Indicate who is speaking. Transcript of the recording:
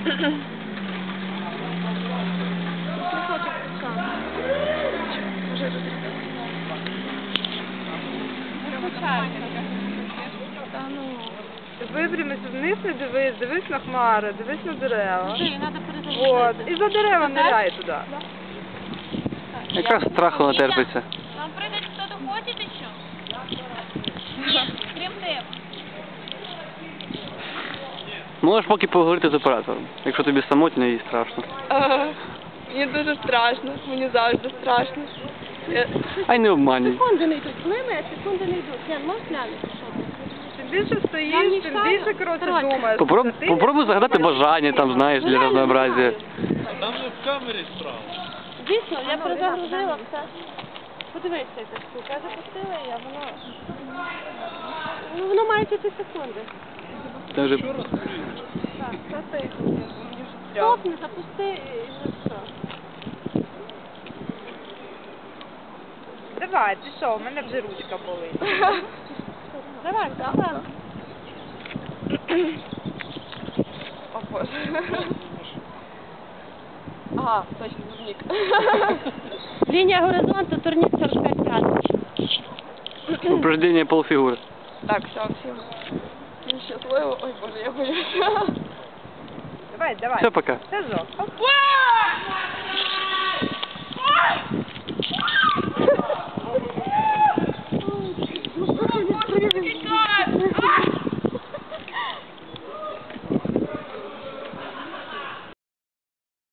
Speaker 1: Випрямись вниз, не дивись, дивись на хмари, дивись на дерева. Вот. І за дерева ныряй туди.
Speaker 2: Якраз страху натерпиться.
Speaker 3: Вам прыгать кто-то хочет еще? Нет, крім тебе.
Speaker 2: Можеш поки поговорити з оператором, якщо тобі самотньо і страшно.
Speaker 1: Мені дуже страшно, мені завжди страшно.
Speaker 2: Ай, не обманюй.
Speaker 3: Секунди не йдуть, плине, секунди не йдуть. Ян, можеш глянути, що там?
Speaker 1: Чим більше стоїш, тим більше, коротше, думаєш.
Speaker 2: Попробуй загадати бажання, там, знаєш, для разнообразия.
Speaker 4: Там же в камері справа.
Speaker 3: Дійсно, я перезагрузила все. Подивися, ця штука. Я запустила її, а воно... Ну, воно має тільки секунди.
Speaker 2: Це вже...
Speaker 3: Так, це ти. Стопни, запусти і вже все.
Speaker 1: Давай, пішов, у мене вже ручка болить.
Speaker 3: Давай, давай.
Speaker 1: О, Боже. Ага, точно, турнік.
Speaker 3: Лінія горизонту, турнік 45 градусів.
Speaker 2: Упражнення полфігури.
Speaker 1: Так, все, всім щасливо. Ой, Боже, я боюся. Давай, давай.
Speaker 2: Все, пока.
Speaker 1: Це жовт.